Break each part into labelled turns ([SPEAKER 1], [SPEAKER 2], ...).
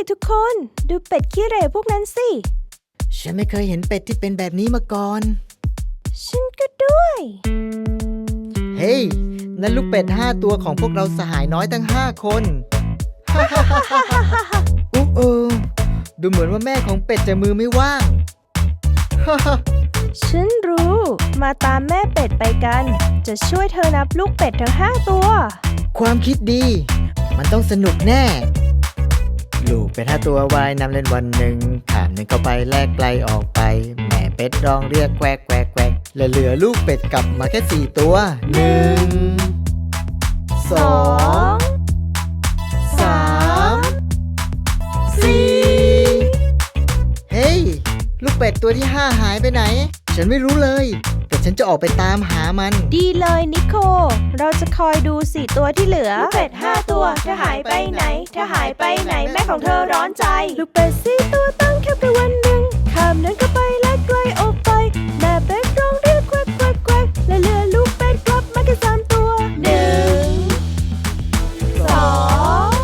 [SPEAKER 1] ทุกคนดูเป็ดขี้เหร่พวกนั้นสิ
[SPEAKER 2] ฉันไม่เคยเห็นเป็ดที่เป็นแบบนี้มาก่อน
[SPEAKER 1] ฉันก็ด้วย
[SPEAKER 2] เฮ้ยนั่นลูกเป็ด5 ตัวของพวกเราสหายน้อยทั้ง5 คนดูเหมือนว่าแม่ของเป็ดจะมือไม่ว่าง
[SPEAKER 1] ฉันรู้มาตามแม่เป็ดไปกันจะช่วยเธอนับลูกเป็ดทั้ง5 ตัว
[SPEAKER 2] ความคิดดีมันต้องสนุกแน่ลูกเป็ด5 ตัวว่ายน้ำเล่นวันหนึ่งขามหนึ่งเข้าไปแลกไกลออกไปแม่เป็ดร้องเรียกแควกแควกแควกและเหลือลูกเป็ดกลับมาแค่4 ตัว1 2 3 4เฮ้ยลูกเป็ดตัวที่5หายไปไหนฉันไม่รู้เลยแต่ฉันจะออกไปตามหามัน
[SPEAKER 1] ดีเลยนิโคเราจะคอยดู4 ตัวที่เหลือลูกเป็ด5 ตัวเธอหายไปไหนเธอหายไปไหนแม่ของเธอร้อนใจลูกเป็ด4 ตัวตั้งแคบไปวันหนึ่งข้ามนั้นก็ไปและไกลออกไปแม่เป็ดร้องเรียกแควกแควกแควกและเหลือลูกเป็ดกลับมาแค่3 ตัว1 2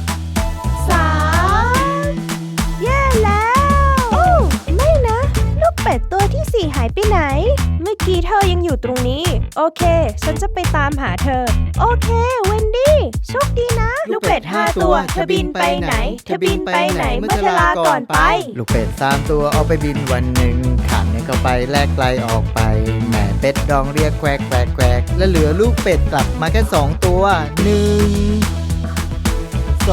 [SPEAKER 1] 3แย่แล้วโอ้ไม่นะลูกเป็ดตัวที่4หายไปไหนเมื่อกี้เธอยังอยู่ตรงนี้โอเคฉันจะไปตามหาเธอโอเคเวนดี้โชคดีนะลูกเป็ด5 ตัวเธอบินไปไหนเธอบินไปไหนเมื่อเธอลาก่อนไป
[SPEAKER 2] ลูกเป็ด3 ตัวเอาไปบินวันหนึ่งขามเนี่ยเข้าไปแลกไกลออกไปแม่เป็ดร้องเรียกแควกแควกแควกและเหลือลูกเป็ดกลับมาแค่2 ตัว1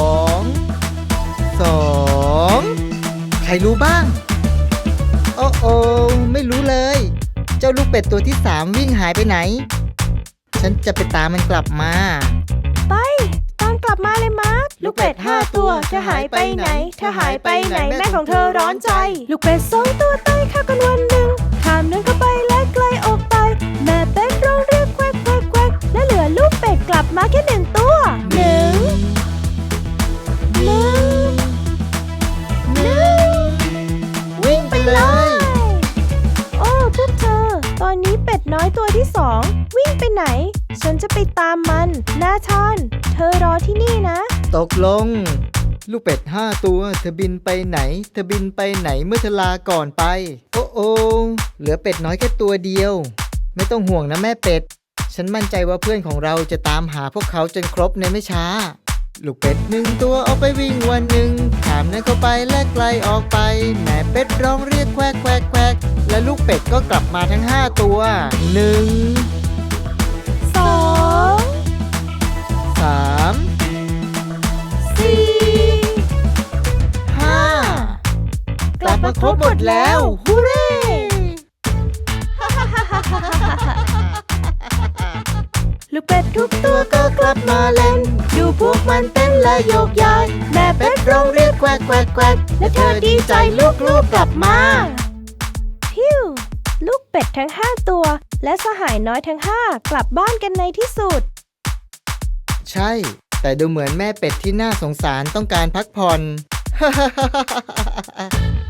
[SPEAKER 2] 2 ใครรู้บ้างโอ้ไม่รู้เลยเจ้าลูกเป็ดตัวที่3วิ่งหายไปไหนฉันจะไปตามมันกลับมา
[SPEAKER 1] ไปตามกลับมาเลยมาร์คลูกเป็ด5 ตัวเธอหายไปไหนเธอหายไปไหนแม่ของเธอร้อนใจลูกเป็ด2 ตัวตายข้ากันวันหนึ่งข้ามนั้นก็ไปและไกลออกไปแม่เป็ดร้องเรียกแควกแควกแควกและเหลือลูกเป็ดกลับมาแค่1 ตัว
[SPEAKER 2] วิ่งไปเลย
[SPEAKER 1] โอ้พวกเธอตอนนี้เป็ดน้อยตัวที่2วิ่งไปไหนฉันจะไปตามมันนาธานเธอรอที่นี่นะ
[SPEAKER 2] ตกลงลูกเป็ด5 ตัวเธอบินไปไหนเธอบินไปไหนเมื่อเธอลาก่อนไปโอ้เหลือเป็ดน้อยแค่ตัวเดียวไม่ต้องห่วงนะแม่เป็ดฉันมั่นใจว่าเพื่อนของเราจะตามหาพวกเขาจนครบในไม่ช้าลูกเป็ด1 ตัวเอาไปวิ่งวันหนึ่งขามนั้นเข้าไปและไกลออกไปแม่เป็ดร้องเรียกแควกแควกแควกและลูกเป็ดก็กลับมาทั้ง5 ตัว1 2 3 4 5กลับมาครบหมดแล้วฮูเร่
[SPEAKER 1] ลูกเป็ดทุกตัวก็กลับมาเล่นดูพวกมันเต้นและโยกย้ายแม่เป็ดร้องเรียกแควกแควกแควกและเธอดีใจลูกๆกลับมาพิวลูกเป็ดทั้ง5 ตัวและสหายน้อยทั้ง5กลับบ้านกันในที่สุด
[SPEAKER 2] ใช่แต่ดูเหมือนแม่เป็ดที่น่าสงสารต้องการพักผ่อน